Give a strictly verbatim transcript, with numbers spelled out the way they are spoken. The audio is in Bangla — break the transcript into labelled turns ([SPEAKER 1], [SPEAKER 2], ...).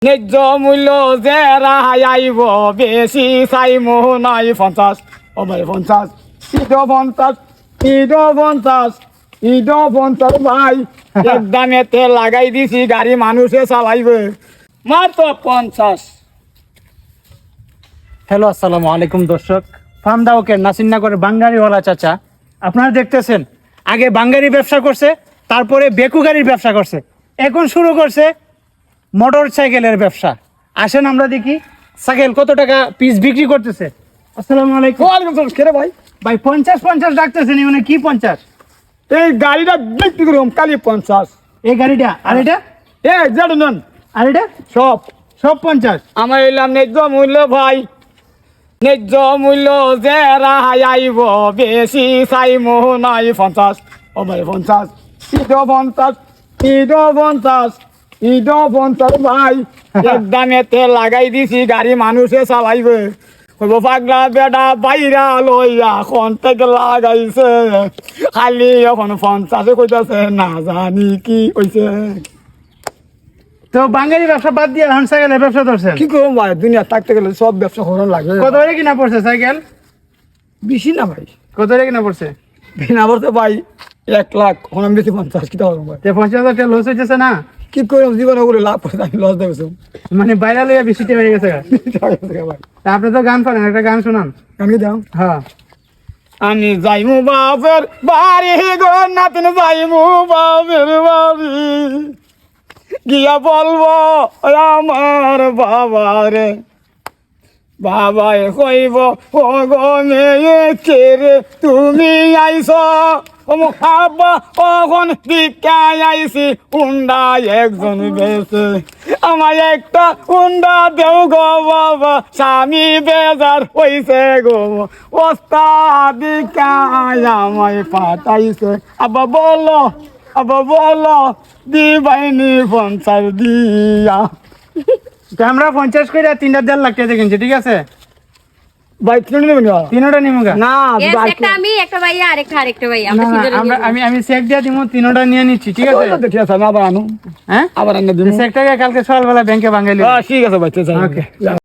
[SPEAKER 1] ন্যায্য মূল্য যে রাহাই আইব বেশি চাই মোহ নাই পঞ্চাশ ও ভাই পঞ্চাশ ইড পঞ্চাশ ইড পঞ্চাশ ইড পঞ্চাশ ভাই এক দামেতে লাগাই দিছি গাড়ি মানুষে চালাইবে মাত্র পঞ্চাশ।
[SPEAKER 2] হ্যালো আসসালামু আলাইকুম দর্শক, ফার্ম দাওকের নাসিরনগরের বাঙ্গারিওয়ালা চাচা আপনারা দেখতেছেন, আগে বাঙ্গারি ব্যবসা করছে, তারপরে বেকু গাড়ির ব্যবসা করছে, এখন শুরু করছে মোটর সাইকেলের ব্যবসা। আসেন আমরা দেখি সাইকেল কত টাকা পিস বিক্রি করতেছে। আসসালামু আলাইকুম।
[SPEAKER 1] ওয়ালাইকুম আসসালাম। কে রে ভাই?
[SPEAKER 2] ভাই পঞ্চাশ পঞ্চাশ ডাকতেছেন, মানে কি পঞ্চাশ?
[SPEAKER 1] এই গাড়িটা বিক্রি করুম কালি পঞ্চাশ।
[SPEAKER 2] এই গাড়িটা আর এটা
[SPEAKER 1] এ যেটা নেন
[SPEAKER 2] আর এটা
[SPEAKER 1] সব
[SPEAKER 2] সব পঞ্চাশ।
[SPEAKER 1] আমার এলাম ন্যায্য মূল্য ভাই, ন্যায্য মূল্য যে রাহাই আইব বেশি চাই মোহ নাই পঞ্চাশ ও ভাই পঞ্চাশ ইড পঞ্চাশ ইড পঞ্চাশ ইড পঞ্চাশ ভাই এক দামেতে লাগাই দিছি গাড়ি মানুষে চালাইবে কইব পাগলা বেটা বাইরা লইয়া এখন থেকে লাগাইছে খালি এখন পঞ্চাশে কইতাছে না জানি কি কইছে।
[SPEAKER 2] তো বাঙ্গারি ব্যবসা বাদ দিয়ে এখন সাইকেলের ব্যবসা ধরছেন,
[SPEAKER 1] কি করবো ভাই, দুনিয়া থাকতে গেলে সব ব্যবসা করার লাগে।
[SPEAKER 2] কত করে কিনা পড়ছে সাইকেল?
[SPEAKER 1] বেশি না ভাই,
[SPEAKER 2] কত করে কিনা পড়ছে?
[SPEAKER 1] বিনা বলতে ভাই এক লাখ এখন আমি বেশি পঞ্চাশ কি টাকা ভাই,
[SPEAKER 2] যে পঞ্চাশ হাজার টাকা লস হইতেছে না,
[SPEAKER 1] কি করে জীবনে করে লাভ করে আমি লস দেখেছি
[SPEAKER 2] মানে বাইরে লইয়া বেশিটা হয়ে গেছে গা।
[SPEAKER 1] ভাই।
[SPEAKER 2] তা আপনি তো গান পারেন, একটা গান শোনান।
[SPEAKER 1] আমি দাও
[SPEAKER 2] হ্যাঁ,
[SPEAKER 1] আমি যাইমু বাপের বাড়ি গো নাতিন যাইমু বাপের বাড়ি গিয়া বলবো আমার বাবারে বাবাই কইব ও গো মেয়ে রে তুমি আইস আব্বা কখন দিকাই আইসি উন্ডা একজন বেছে আমার একটা উন্ডা দেও গো বাবা স্বামী বেজার হইছে গো ওস্তা দিকাই আমায় পাঠাইছে আব্বা বলো আব্বা বলো দিবাইনি পঞ্চাশ দিয়া।
[SPEAKER 2] তো আমরা পঞ্চাশ করে তিনটা দেড় লাখ টাকা কিনছি, ঠিক আছে
[SPEAKER 1] ভাই তিনটা নেবেন না?
[SPEAKER 2] তিনোটা নিমু গা।
[SPEAKER 1] না
[SPEAKER 3] Yes, একটা আমি একটা ভাইয়া আরেকটা আরেকটা ভাই
[SPEAKER 2] না,
[SPEAKER 3] আমরা
[SPEAKER 2] না,
[SPEAKER 3] তিনজনে
[SPEAKER 2] আমরা
[SPEAKER 3] নিয়ে
[SPEAKER 2] আমি আমি চেক দিয়ে দিব, তিনোটা নিয়ে নিচ্ছি, ঠিক আছে?
[SPEAKER 1] দেখি আছে আমি আবার আনো
[SPEAKER 2] হ্যাঁ,
[SPEAKER 1] আবার আনো দিন।
[SPEAKER 2] চেকটাকে কালকে সকালবেলা ব্যাংকে ভাঙাইলি।
[SPEAKER 1] ঠিক আছে ভাই, ঠিক আছে।
[SPEAKER 2] ওকে।